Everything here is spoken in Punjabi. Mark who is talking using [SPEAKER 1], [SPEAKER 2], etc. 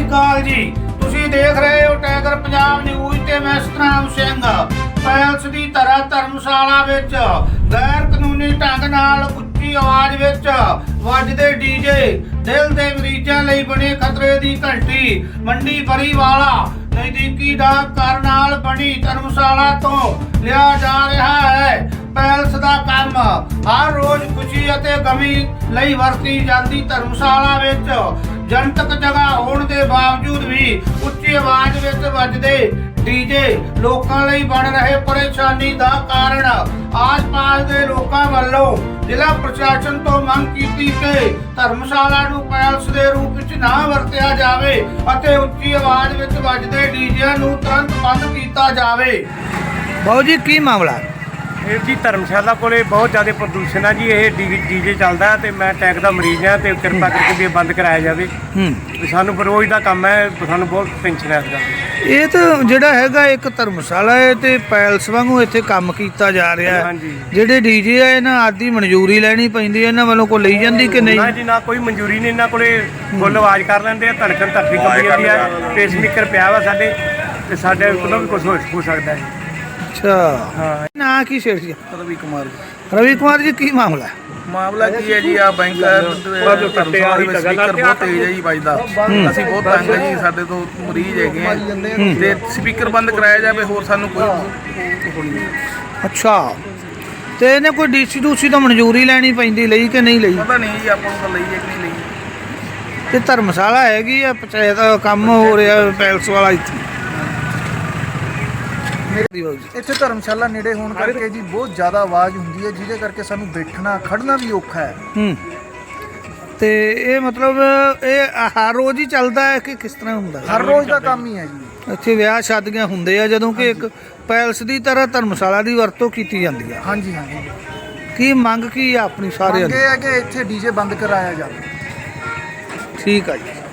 [SPEAKER 1] ਅਕਾਲ ਜੀ। ਤੁਸੀਂ ਦੇਖ ਰਹੇ ਹੋ ਟਾਈਗਰ ਪੰਜਾਬ ਨਿਊਜ਼ ਤੇ ਮੈਂ ਸਤਨਾਮ ਸਿੰਘ। ਪੈਲਸ ਦੀ ਤਰ੍ਹਾਂ ਧਰਮਸ਼ਾਲਾ ਵਿੱਚ ਗੈਰ ਕਾਨੂੰਨੀ ਢੰਗ ਨਾਲ ਉੱਚੀ ਆਵਾਜ਼ ਵਿੱਚ ਵੱਜਦੇ ਡੀਜੇ ਦਿਲ ਦੇ ਮਰੀਜ਼ਾਂ ਲਈ ਬਣੇ ਖਤਰੇ ਦੀ ਘੰਟੀ। ਮੰਡੀ ਬਰੀਵਾਲਾ ਨਜ਼ਦੀਕੀ ਡਾਕ ਘਰ ਨਾਲ ਬਣੀ ਧਰਮਸ਼ਾਲਾ ਤੋਂ ਲਿਆ ਜਾ ਰਿਹਾ ਹੈ। ਪੈਲਸ ਦਾ ਕੰਮ ਹਰ ਰੋਜ਼ ਖੁਸ਼ੀ ਅਤੇ ਗਮੀ ਲਈ ਵਰਤੀ ਜਾਂਦੀ ਧਰਮਸ਼ਾਲਾ ਵਿੱਚ ਜਨਤਕ ਜਗ੍ਹਾ ਹੋਣ ਦੇ ਬਾਵਜੂਦ ਵੀ ਉੱਚੀ ਆਵਾਜ਼ ਵਿੱਚ ਵੱਜਦੇ ਡੀਜੇ ਲੋਕਾਂ ਲਈ ਬਣ ਰਹੇ ਪਰੇਸ਼ਾਨੀ ਦਾ ਕਾਰਨ। ਆਸ-ਪਾਸ ਦੇ ਲੋਕਾਂ ਵੱਲੋਂ ਜ਼ਿਲ੍ਹਾ ਪ੍ਰਸ਼ਾਸਨ ਤੋਂ ਮੰਗ ਕੀਤੀ ਕਿ ਧਰਮਸ਼ਾਲਾ ਨੂੰ ਪੈਲਸ ਦੇ ਰੂਪ ਵਿੱਚ ਨਾ ਵਰਤਿਆ ਜਾਵੇ ਅਤੇ ਉੱਚੀ ਆਵਾਜ਼ ਵਿੱਚ ਵੱਜਦੇ ਡੀਜਿਆਂ ਨੂੰ ਤੁਰੰਤ ਬੰਦ ਕੀਤਾ ਜਾਵੇ। ਬਾਊ ਜੀ ਕੀ ਮਾਮਲਾ?
[SPEAKER 2] ਇਹ ਜੀ ਧਰਮਸ਼ਾਲਾ ਕੋਲੇ ਬਹੁਤ ਜ਼ਿਆਦਾ ਪ੍ਰਦੂਸ਼ਣ ਆ ਜੀ। ਇਹ ਡੀਜੇ ਚੱਲਦਾ ਤੇ ਮੈਂ ਟੈਕ ਦਾ ਮਰੀਜ਼ ਆ ਤੇ ਕਿਰਪਾ ਕਰਕੇ ਵੀ ਇਹ ਬੰਦ ਕਰਾਇਆ ਜਾਵੇ। ਸਾਨੂੰ ਰੋਜ਼ ਦਾ ਕੰਮ ਹੈ, ਸਾਨੂੰ ਬਹੁਤ ਟੈਨਸ਼ਨ ਹੈ ਇਸਦਾ।
[SPEAKER 1] ਇਹ ਤਾਂ ਜਿਹੜਾ ਹੈਗਾ ਇੱਕ ਧਰਮਸ਼ਾਲਾ ਹੈ ਤੇ ਪੈਲਸ ਵਾਂਗੂ ਇੱਥੇ ਕੰਮ ਕੀਤਾ ਜਾ ਰਿਹਾ ਹੈ। ਜਿਹੜੇ ਡੀਜੇ ਆ ਇਹਨਾਂ ਆਦੀ ਮਨਜ਼ੂਰੀ ਲੈਣੀ ਪੈਂਦੀ ਹੈ, ਇਹਨਾਂ ਵੱਲੋਂ ਕੋਈ ਲਈ ਜਾਂਦੀ ਕਿ ਨਹੀਂ?
[SPEAKER 2] ਨਾ ਜੀ ਨਾ, ਕੋਈ ਮਨਜ਼ੂਰੀ ਨਹੀਂ। ਇਹਨਾਂ ਕੋਲੇ ਫੁੱਲ ਆਵਾਜ਼ ਕਰ ਲੈਂਦੇ ਆ, ਧੜਕਣ ਧਰਤੀ ਕੰਬੀ ਜਾਂਦੀ ਆ। ਪੇਸਮੇਕਰ ਪਿਆ ਵਾ ਸਾਡੇ ਤੇ ਸਾਡੇ ਕੋਲੋਂ ਵੀ ਕੁਝ ਹੋ ਸਕਦਾ ਹੈ।
[SPEAKER 1] ਅੱਛਾ
[SPEAKER 2] ਹਾਂ।
[SPEAKER 1] ਨਾਂ ਕੀ ਸ਼ੇਰ ਜੀ?
[SPEAKER 3] ਰਵੀ ਕੁਮਾਰ
[SPEAKER 1] ਰਵੀ ਕੁਮਾਰ ਜੀ ਕੀ ਮਾਮਲਾ?
[SPEAKER 3] ਮਾਮਲਾ ਕੀ ਹੈ ਜੀ? ਆ ਬੈਂਕ ਧਰਮਸ਼ਾਲਾ ਦੇ ਵਿੱਚ ਸਪੀਕਰ ਬਹੁਤ ਤੇਜ਼ ਹੈ ਜੀ ਵੱਜਦਾ। ਅਸੀਂ ਬਹੁਤ ਤੰਗ ਹੈ ਜੀ, ਸਾਡੇ ਤੋਂ ਮਰੀਜ਼ ਹੈਗੇ ਆ ਤੇ ਸਪੀਕਰ ਬੰਦ ਕਰਾਇਆ ਜਾਵੇ, ਹੋਰ ਸਾਨੂੰ ਕੋਈ ਨਹੀਂ।
[SPEAKER 1] ਅੱਛਾ, ਤੇ ਇਹਨੇ ਕੋਈ ਡੀਸੀ ਦੂਸੀ ਤੋਂ ਮਨਜ਼ੂਰੀ ਲੈਣੀ ਪੈਂਦੀ, ਲਈ ਕਿ ਨਹੀਂ ਲਈ?
[SPEAKER 3] ਪਤਾ ਨਹੀਂ ਜੀ ਆਪਾਂ ਨੂੰ ਤਾਂ ਲਈ ਹੈ ਕਿ ਨਹੀਂ ਲਈ।
[SPEAKER 1] ਤੇ ਧਰਮਸ਼ਾਲਾ ਹੈਗੀ ਆ, ਪੰਚਾਇਤ ਕੰਮ ਹੋ ਰਿਹਾ ਪੈਲਸ ਵਾਲਾ ਇੱਥੇ।
[SPEAKER 4] ਇੱਥੇ ਧਰਮਸ਼ਾਲਾ ਨੇੜੇ ਹੋਣ ਕਰਕੇ ਜੀ ਬਹੁਤ ਜ਼ਿਆਦਾ ਆਵਾਜ਼ ਹੁੰਦੀ ਹੈ, ਜਿਹਦੇ ਕਰਕੇ ਸਾਨੂੰ ਬੈਠਣਾ ਖੜਨਾ ਵੀ ਔਖਾ ਹੈ।
[SPEAKER 1] ਤੇ ਇਹ ਮਤਲਬ ਇਹ ਹਰ ਰੋਜ਼ ਹੀ ਚੱਲਦਾ ਹੈ ਕਿ ਕਿਸ ਤਰ੍ਹਾਂ ਹੁੰਦਾ?
[SPEAKER 4] ਹਰ ਰੋਜ਼ ਦਾ ਕੰਮ ਹੀ ਹੈ ਜੀ।
[SPEAKER 1] ਇੱਥੇ ਵਿਆਹ ਸ਼ਾਦੀਆਂ ਹੁੰਦੇ ਆ ਜਦੋਂ ਕਿ ਇੱਕ ਪੈਲਸ ਦੀ ਤਰ੍ਹਾਂ ਧਰਮਸ਼ਾਲਾ ਦੀ ਵਰਤੋਂ ਕੀਤੀ ਜਾਂਦੀ ਆ।
[SPEAKER 4] ਹਾਂਜੀ ਹਾਂਜੀ।
[SPEAKER 1] ਕੀ ਮੰਗ ਕੀ ਆ ਆਪਣੀ ਸਾਰਿਆਂ
[SPEAKER 4] ਮੰਗ
[SPEAKER 1] ਦੀ?
[SPEAKER 4] ਇਹ ਹੈ ਕਿ ਇੱਥੇ ਡੀਜੇ ਬੰਦ ਕਰਾਇਆ ਜਾਵੇ।
[SPEAKER 1] ਠੀਕ ਆ ਜੀ।